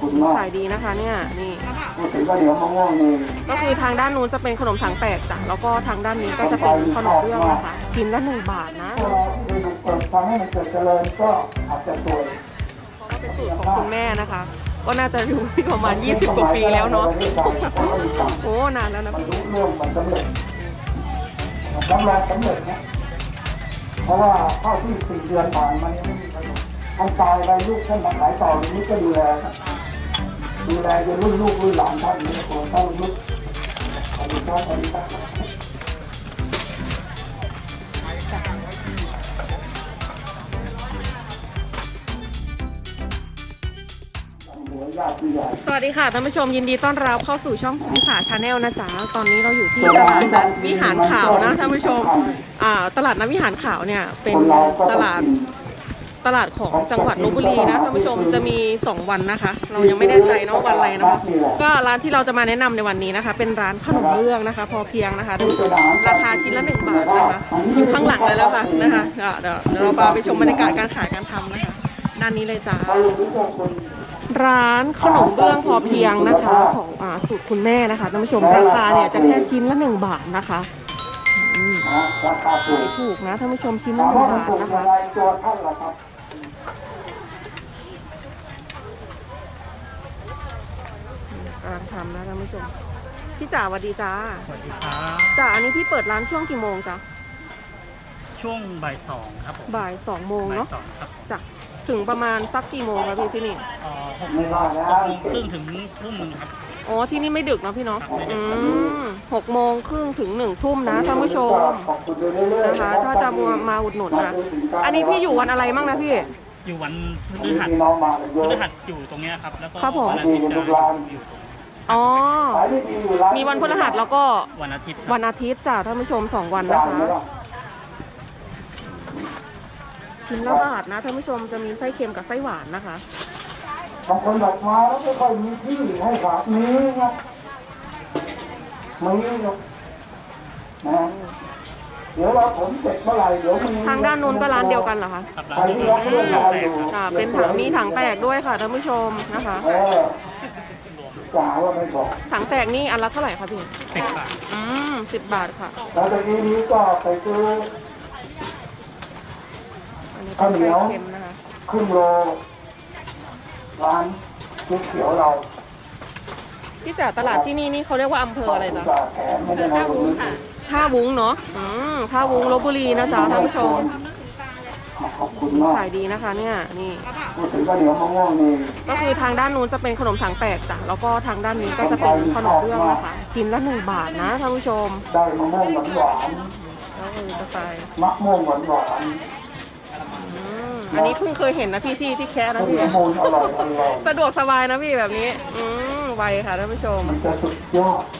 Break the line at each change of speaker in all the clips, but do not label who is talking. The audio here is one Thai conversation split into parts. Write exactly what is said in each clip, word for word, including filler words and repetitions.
ขายดีนะคะเนี่ยนี่
พูดถึงก็เดี๋ยวมะม่วงนี่
ก็คือทางด้านนู้นจะเป็นขนมถังแตกจ้ะแล้วก็ทางด้านนี้ก็จะเป็นขนมเบื้องนะคะชิ้นละหนึ่งบาทนะ
ถ้าเราเกิดทำให้มันเกิดเจริญก็อาจจะสวย
เพราะว่าเป็นสูตรของคุณแม่นะคะ ก็น่าจะอยู่ที่ประมาณยี่สิบกว่าปีแล้วเนาะโอ้นานแล้วนะ
มันรู้เรื่องมันสำเร็จมันทำงานสำเร็จนะเพราะว่าเข้าที่สี่เดือนผ่านมันยังไม่มีประโยชน์ท่านตายไปลูกท่านมาขายต่ออย่างนี้ก็ดูแลดูแลจนรุ่นลูกรุ่นหลานท่านนี่โอ้ท่านลูกขอบคุณครับขอบคุณครับ
สวัสดีค่ะท่านผู้ชมยินดีต้อนรับเข้าสู่ช่องวิสาชาแนลนะจ๊ะตอนนี้เราอยู่ที่ตลาดนัดวิหารขาวนะท่านผู้ชมอ่าตลาดนัดวิหารขาวเนี่ยเป็นตลาดตลาดของจังหวัดลพบุรีนะท่านผู้ชมจะมีสองวันนะคะ เรายังไม่แน่ใจเนาะวันอะไรนะคะก็ร้านที่เราจะมาแนะนำในวันนี้นะคะเป็นร้านขนมเบื้องนะคะพอเพียงนะคะท่านผู้ชมราคาชิ้นละหนึ่งบาทนะคะอยู่ข้างหลังเลยแล้วค่ะนะคะเดี๋ยวเดี๋ยวเราไปชมบรรยากาศการขายการทำนะคะด้านนี้เลยจ้าร้านขนมเบื้องพอเพียงนะคะของอ่าสูตรคุณแม่นะคะท่านผู้ชมราคาเนี่ยจะแค่ชิ้นละหนึ่งบาทนะคะขายถูกนะท่านผู้ชมชิ้นละหนึ่งบาทนะคะกำลังทำนะท่านผู้ชมพี่จ๋าสวัสดีจ้า
สวัสดีครับ
จ๋าอันนี้พี่เปิดร้านช่วงกี่โมงจ๊ะ
ช่วงบ่ายสองครับผม
บ่ายสองโมงเนาะ
ครับ
จ้ะถึงประมาณสักกี่โมงครับพี่ที่นี่
อ๋อหกโมงครึ่งถึงทุ่มหนึ่งครับ
อ๋อที่นี่ไม่ดึกนะพี่เนาะอืมหกโมงครึ่งถึงหนึ่งทุ่มนะท่านผู้ชมนะคะถ้าจะมามาอุดหนุนนะอันนี้พี่อยู่วันอะไรมั่งนะพี่
อยู่วันพฤหัสพฤหัสอยู่ตรงนี้ครับแล้วก็
วัน
อาทิตย์จะอยู่ตรง
อ๋อมีวันพฤหัสแล้วก็
วันอาทิตย์
วันอาทิตย์จ้ะท่านผู้ชมสองวันนะคะชิ้นละบาทนะท่านผู้ชมจะมีไส้เค็มกับไส้หวานนะคะ
บางคนบอกมาแล้วไม่ค่อยมีที่ให้ฝากนี้ครับมีครับนะเดี๋ยวเราผมเสร็จเมื่อไหร่เดี๋ยวมี
ทางด้านนู้นก็ร้านเดียวกันเหรอคะ
ใครที่รักเรื่องราวอยู่
เป็นถังมีถังแตกด้วยค่ะท่านผู้ชมนะคะ
จ๋าว่าไม่บอก
ถังแตกนี่อันละเท่าไหร่คะพี่
สิบบาท
อืมสิบบาทค่ะ
แล้วตอนนี้นี้ก็ไปซื้อข้าวเหนียวครึ่งโลร้านก๋วยเตี๋ยวเรา
พี่จ๋าตลาดที่นี่นี่เขาเรียกว่าอำเภออะไรจ๊ะ
ท่าวุ้งค่ะ
ท่าวุ้งเนาะอืมท่าวุ้งลพบุรีนะจ๊ะท่านผู้ชม
ขอบคุณมาก
ขายดีนะคะเนี่ยนี่
พูดถึงก็เดี๋ยวมะม่วงนี่
ก็คือทางด้านนู้นจะเป็นขนมถังแตกจ้ะแล้วก็ทางด้านนี้ก็จะเป็นขนมเบื้องนะคะชิ้นละหนึ่งบาทนะท่านผู้ชม
ได้มะม่วงหวานหวาน
แล้วเออจะไป
มะม่วงหวานหวาน
อันนี้เพิ่งเคยเห็นนะพี่ที่ที่แค่นะพี่สะดวกสบายนะพี่แบบนี้อืมไวค่ะท่านผู้ชม
มันจะสุดยอด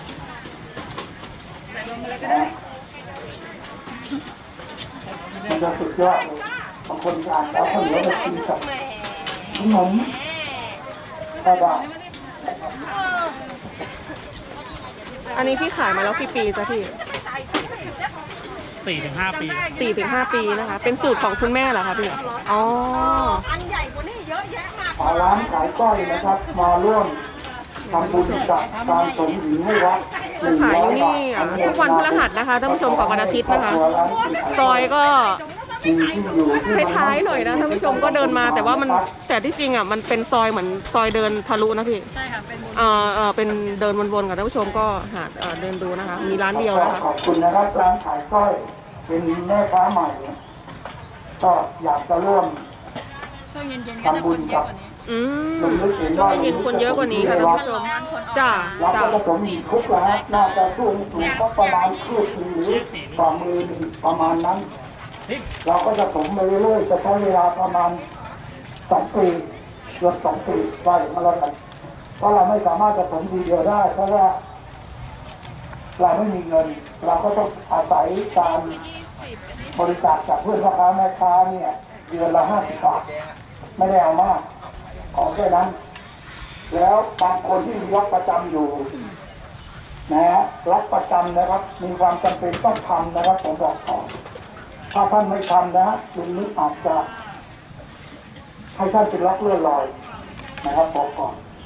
มันจะสุดยอดบางคนอ่านแล้วเขาเหลือมากินกับขนมกระดาษ
อันนี้พี่ขายมาแล้วกี่ปีจ้ะพี่
สี่ถึงห้าปี
สี่ถึงห้าปีนะคะเป็นสูตรของคุณแม่เหรอคะพี่อ๋อ
อันใหญ่กว่านี้เยอะแยะมาก
ร้านขายก้อยนะครับมาร่วมทำบุญกับการสมหญิงให้วัด
ขายอยู่นี่ทุกวันพฤหัสนะคะท่านผู้ชมกับวันอาทิตย์นะคะซอยก็ท้ายๆหน่อยนะท่านผู้ชมก็เดินมาแต่ว่ามันแต่ที่จริงอ่ะมันเป็นซอยเหมือนซอยเดินทะลุนะพี่
ใช่ค่ะเป็น
เอ่อเอ่อเป็นเดินวนๆกับท่านผู้ชมก็หาเดินดูนะคะมีร้านเดียวนะคะ
ขอบคุณนะครับร้านขายก้อยเป็นแม่ค้าใหม่ก็อยากจะร่วม
ช่วงเย็นๆก็จะคนเยอะกว่านี้
อืมช่วงเย็นคนเยอะกว่านี้ค่ะท่านผู้ชมจ้า
จ้าเราก็มีคุกแล้วน่าจะช่วงสูงก็ประมาณคืบหรือฝ่ามือประมาณนั้นเราก็จะสมไปเรื่อยๆจะใช้เวลาประมาณสองปีเกือบสองปีไปมาแล้วกันเพราะเราไม่สามารถจะสมทีเดียวได้เพราะว่าเราไม่มีเงินเราก็ต้องอาศัยการบริจาคจากเพื่อนพ่อค้าแม่ค้าเนี่ยเดือนละห้าสิบบาทไม่ได้เอามากขอแค่นั้นแล้วบางคนที่มีรับประจำอยู่นะฮะรับประจำนะครับมีความจำเป็นต้องทำนะครับผมบอกก่อนถ้าท่านไม่ทำนะลุงนิดอาจจะให้ท่านเป็นรักเลื่อนลอยนะครับบอกก่อน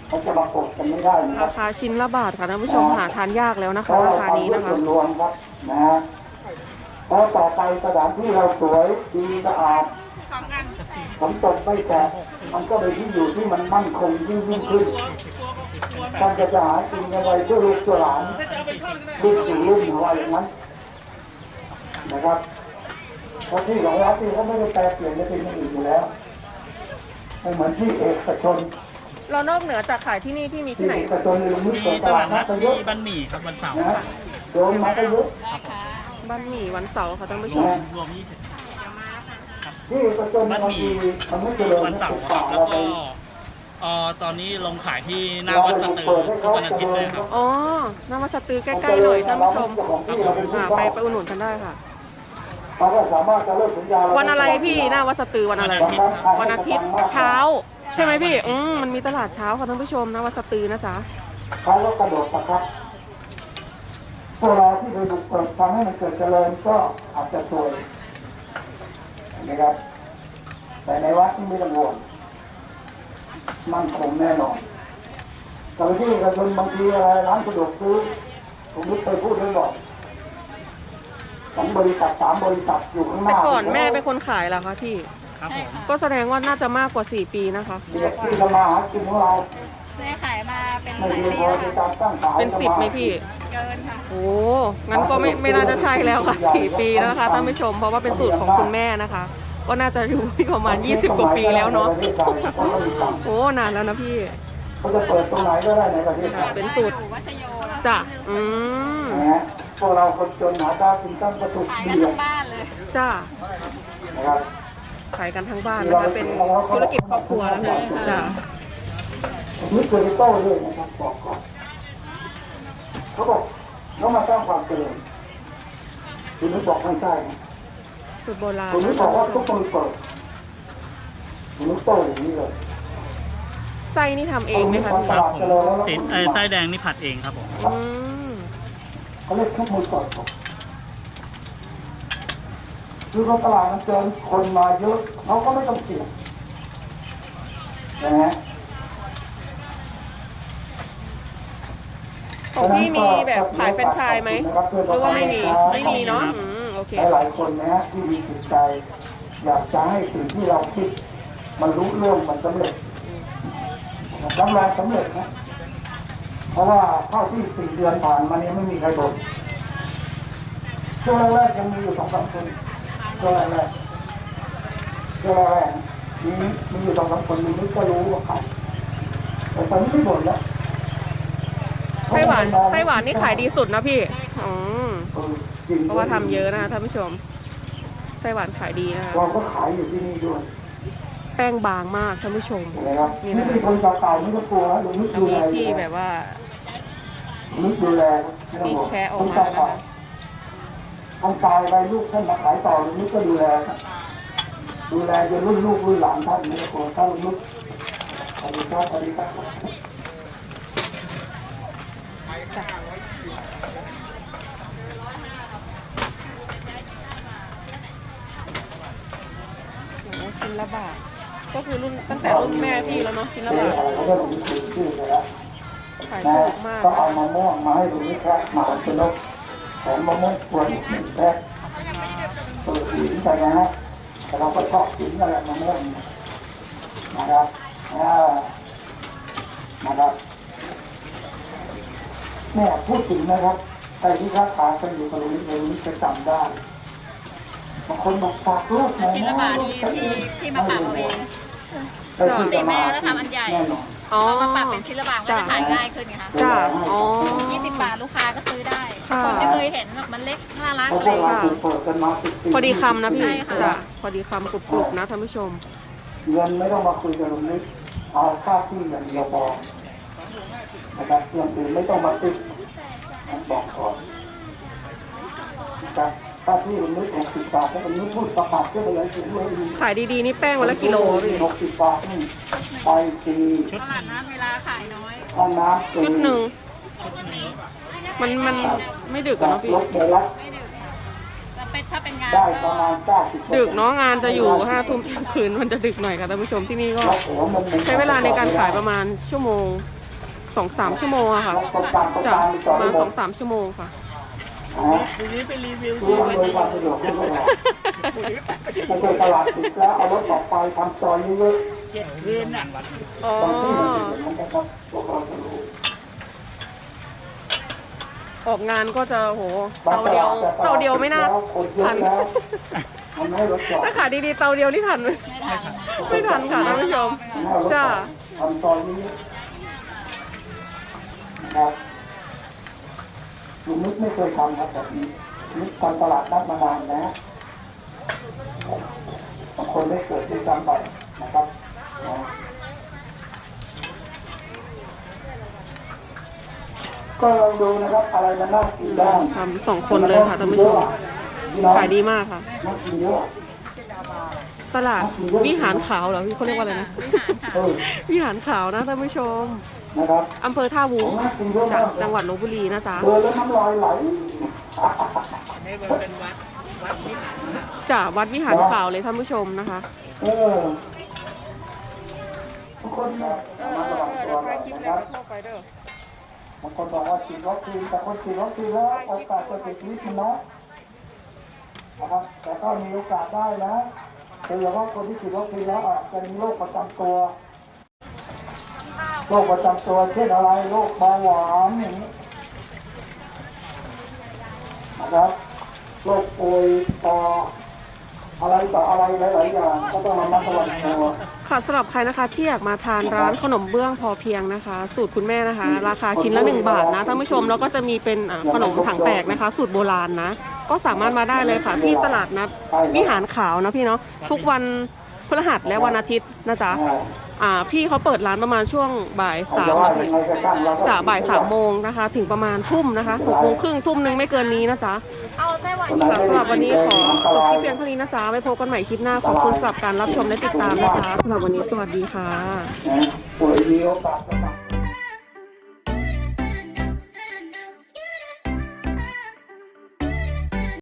เขาจะมากดกันไม่ได้นะครั
รา
บ
คาชิ้นละบาทค่ะท่านผู้ชมหาทานยากแล้วนะคะราคานี้นะคะ
ส่วนรวมครับนะฮะแล้วต่อไปสถานที่เราสวยดีสะอาดฝนตกไม่แตกมันก็เป็นที่อยู่ที่มันมั่นคงยิ่งยิ่งขึ้นท่านจะจะหากินอะไรด้วยลูกตัวหลานลูกสู่ลูกหรือว่าอย่างนั้นนะครับเพราะที่ของรัฐที่เขาไม่ได้แปลเปลี่ยนจะเป็นอย่างอื่นอยู่แล้วไม่เหมือนที่เอกชน
เรานอกเหนือจากขายที่นี่พี่มีที่ไหน
เอกชนในลุงนิด
มี
เปิด
ต
ต
ลา
ลา
ด
ด
นั
นั
ด
ดไปเย
ที่
อะ
บ้านหมี่ครับวันเสาร์
นะโดนมาก็เยอะ
บ้านหมี่วันเสาร์ค่ะท่านผู้ช
รว
ม
มรวมยี่สิบ
ที่เอกชน
บ้าน
บาง
หมี่
ทีมันไม่เจริญ
วัน
นะ
เสา
ป
ร์
ลูก
ครั
ป่า
บ แล้
เรา
ว
ไป
ก็เอ่อตอนนี้ลงขายที่หน้าวัดสตือทุกวันอาทิตย์เลยครับ
อ๋อน้ำมาสตือใกล้ๆหน่อยท่านผู้ชมอ่าไปไปอุดหนุนกันได้ค่ะ
เราก็สามารถจะเลิกสัญญา
วันอะไรพี่หน้าวัดสตือวันอะไร
วันอาทิตย์ครับ
วันอาทิตย์เช้า ใช่ไหมพี่อืมมันมีตลาดเช้าค่ะท่านผู้ชมหน้าวัดสตือนะจ๊ะ
เขาก็กระโดดตะครับพวกเราที่ไปบุกเบิกทำให้มันเกิดเจริญก็อาจจะซวยนะครับแต่ในวัดที่ไม่ต้องห่วงมั่นคงแน่นอนแต่ที่เอกชนบางทีอะไรร้านสะดวกซื้อผมนึกเคยพูดไว้บอกสองบริษัทสามบริษัทอยู่ข้างห
แต่
น้า
ก่อนแม่เป็นคนขายเหรอคะพี่
ครับผม
ก็แสดงว่าน่าจะมากกว่าสี่ปีนะคะ
เด็กที่ทำมาหากินของเรา
แม่ขายมาเป็นห
ไม่
ลาย
เพียง
ปี
พอ
แล้ว
ใน
ค่ะ
การตั้งขาย
เป็นสิบไหมพี่
เกินค่ะ
โอ้งั้นก็ไม่ไม่น่าจะใช่แล้วค่ะสี่ปีแล้วนะคะท่านผู้ชมเพราะว่าเป็นสูตรของคุณแม่นะคะ ก็น่าจะอยู่ที่ประมาณยี่สิบกว่าปีแล้วเนาะโอ้นานแล้วนะพี่
เขาจะเปิดตรงไหนก็ได้ในประเทศไทย
เป็นสูตร
อยู่วัชโยแล้ว
จ้ะอืม
นะฮะพวกเราคนจนหาข้าวกินตั้งกระตุก
ขาย
ดี
กัน
เล
ทั้
ย
งบ้านเลย
จ้า
นะครับ
ขายกันทั้งบ้านนะคะเป็นธุรกิจครอบครัวแล้วค่ะจ้า
นี่เคอร์โต้ด้วยนะครับบอกก่อนเขาบอกเขามาสร้างความเจริญคุณนึกบอกไม่ใช่นะ
สูตรโบราณ
คุณนึ
นะ
กบ
คะ
อกว่าทุกคนเปิดคุณนึกโต้อย่างนี้เลย
ไส้นี่ทำเองไหมคะพี่
ครับผมสีเอ่อไส้แดงนี่ผัดเองครับผม
อืม
เขาเรียกทุกมือเปิดครับคือว่าตลาดมันเจอคนมาเยอะเขาก็ไม่ต้องเสี่ยงนะฮะ
ของพี่มีแบบขายแฟรนไชส์ไหมหรือว่าไม่มีไม่มีเนาะอืมโอเค
หลายๆคนนะฮะที่มีจิตใจ อยากจะให้สิ่งที่เราคิด มันรู้เรื่องมันสำเร็จรับรองสำเร็จนะ เพราะว่าเข้าที่สี่เดือนผ่านมานี้ไม่มีใครบ่นช่วงแรกๆยังมีอยู่สองสามคนช่วงแรกๆช่วงแรกๆมีมีอยู่สองสามคนมีนิดก็รู้ว่าใครแต่ตอนนี้ไม่บ่นแล้ว
ไส้หวานไส้หวานนี่ขายดีสุดนะพี่อืม
เออจริง
เพราะว่าทำเยอะนะคะท่านผู้ชมไส้หวานขายดีนะคะ
เราก็ขายอยู่ที่นี่ด้วย
แป้งบางมากท่านผู้ชม
นะครับ
นี่
นี่
นะคะ
มีคนเก่าๆไม่ต้องกลัวนะลุงนึก
แล้ว
ดู
มี
แล
ที่แบบว่า
นึกดูแลไม่ต้อง
ที่
ห่วง
แคะออกมานะคะ
ท่านตายไปลูกท่านมาขายต่อลุงนึกก็ดูแลครับดูแลจนรุ่นลูกรุ่นหลานท่านไม่ต้องกลัวท่านลุงนึกสวัสดีครับสวัสดีครับ
โอ้โหชิ้นละบาทก็คือรุ่นตั้งแต่รุ่นแม่พี่แล้วเนาะชิ้นละ
เจ๊
บาท
อะไรเขาก็ลุงนึกถึงชื่อเลยแล้ว
ขาย
นะ
ถูกมาก
ก็
นะ
เอา
คะ
มะม่วงมาให้ลุงนึกแค่มาเป็นนกแถมมะม่วงกวนหนึ่งแพ็คเปิดสีไปนะฮะแต่เราก็ชอบกินอะไรมะม่วงนะครับอ่านะครับเนี่ยพูดถึงนะครับใครที่ค้าขายกันอยู่กับลุงนิดลุงนิดจะจำได้บางคนบอกฝากลูกนะ
ชิ้นละบาทนี่ที่ที่มาปรับเอาเอง
ได้ที่
ตี
จะ
แม่แล้วทำอันใหญ่
แน่นอน
อ๋อ
พอมาปรับเป็นชิ้นละบาทก็จะขายง่ายขึ้นไงคะ
จ้าอ๋อ
ยี่สิบบาทลูกค้าก็ซื้อได้
ค่ะ
คนจะเคยเห็นแบบมันเล็กน่ารัก
เพราะ
อะไร
พวก
อย่าง
เรา
เงี้ย
ถูกเปิดกันมาสิบปี
พอดีคำนะพี่
ใช่ค่ะ
จ้ะพอดีคำกรุบๆนะท่านผู้ชม
เงินไม่ต้องมาคุยกับลุงนิดเอาค่าที่อย่างเดียวพอนะครับเรื่องอื่นไม่ต้องมาติดบอกก่อนนะครับค่าที่ลุงนิดหกสิบบาทแล้วลุงนิดพูดประกาศเพื่ออะไรถึงเลย
ขายดีๆนี่แป้งวันละกิโลพี่
หกสิบบาทนี่ไปที
ตลาดนัดเวลาขายน้อย
ห้องน้ำ
ชุดหนึ่งมันมันไม่ดึกอะเนาะพี่
รถเดลัก
ไม่ดึกแต่เป็นถ้าเป็นงาน
ได้
ก็
ประมาณเก้าสิบ
ดึกเนาะงานจะอยู่ห้าทุ่มเที่ยงคืนมันจะดึกหน่อยค่ะท่านผู้ชมที่นี่ก็
แล้วหัวมัน
ใช้เวลาในการขายประมาณชั่วโมงสองสามชั่วโมงอะค่ะ
ตรงกลางตรง
จะ
กลางมีจอด
มา
ได้หม
สอ
ด
งสามชั่วโมงค่ะ
ทีนี้ไปรีวิว
รู้อำนวยความสะดวกให้ด้วยไม่ใช่ตลาดปิดแล้วเอารถออกไปทำซอยเยอะ
เจ็ดคืนน่ะ
อ๋อ
ๆบางที่มันนะครับพวกเราจะรู้
ออกงานก็จะโหเตาเดียวเตาเดียวไม่น่าทัน
มันไม่ให้รถจอด
ถ้าขายดีๆเตาเดียวนี่ทันไหม
ไม่ทัน
ไม่ทันค่ะท่านผู้ชม
มันไม่ให้รถจ
จ้า
อดทำซอยนี้นะครับลุงนิดไม่เคยทำครับแบบนี้นิดทำตลาดนัดมานานนะบางคนได้เกิดด้วยซ้ำไปนะครับนะก็ลองดูนะครับอะไรมันน่ากินบ้าง
ทำสองคนเลยค่ะท่านผู้ชม ขายดีมากค่ะ
น่ากินเยอะ
ตลาดวิหารขาวเหรอพี่เขาเรียกว่าอะไรนะ
เออ
วิหารขาวนะท่านผู้ชม
นะครับ
อำเภอท่าวุ้ง
น่ากินเยอะ
จาก
มาก
จังหวัดลบบุรีนะจ๊ะ
เดินแล้วน้ำลายไหล
นี่มันเป็นวัดวัดวิหารค่ะ
จากวัดวิหารขาวเลยท่านผู้ชมนะคะ
เออทุกคนนะมาระวังตัวหน่อยนะครับบางคนบอกว่าฉีดวัคซีนแต่คนฉีดวัคซีนแล้วโอกาสจะเสียชีวิตมันน้อยนะครับแต่ก็มีโอกาสได้นะโดยเฉพาะคนที่ฉีดวัคซีนแล้วอาจจะมีโรคประจำตัวโรคประจำตัวเช่นอะไรโรคเบาหวานอย่างนี้นะครับโรคป่วยต่ออะไรต่ออะไรหลายๆอย่างก็ต้องระมัดระวังตัว
ค่ะสำหรับใครนะคะที่อยากมาทานร้านขนมเบื้องพอเพียงนะคะ สูตรคุณแม่นะคะ ราคาชิ้นละหนึ่งบาทนะท่านผู้ชมแล้วก็จะมีเป็นอ่าขนมถังแตกนะคะ สูตรโบราณนะ ก็สามารถมาได้เลยค่ะ ที่ตลาดนัดวิหารขาวนะพี่เนาะทุกวันพฤหัสและวันอาทิตย์นะจ๊ะอ่าพี่เขาเปิดร้านประมาณช่วงบ่ายสามนะพี่จากบ่ายสามโมงนะคะ ถึงประมาณทุ่มนะคะหกโมงครึ่งทุ่มหนึงไม่เกินนี้นะจ๊ะ
เอาไส้หวาน
ค่ะสำหรับวันนี้ขอจบคลิปเพียงเท่านี้นะจ๊ะไว้พบกันใหม่คลิปหน้าขอบคุณสำหรับการรับชมและติดตามนะคะสำหรับวันนี้สวัสดีค่ะ
ป่วยมีโอกาสจะ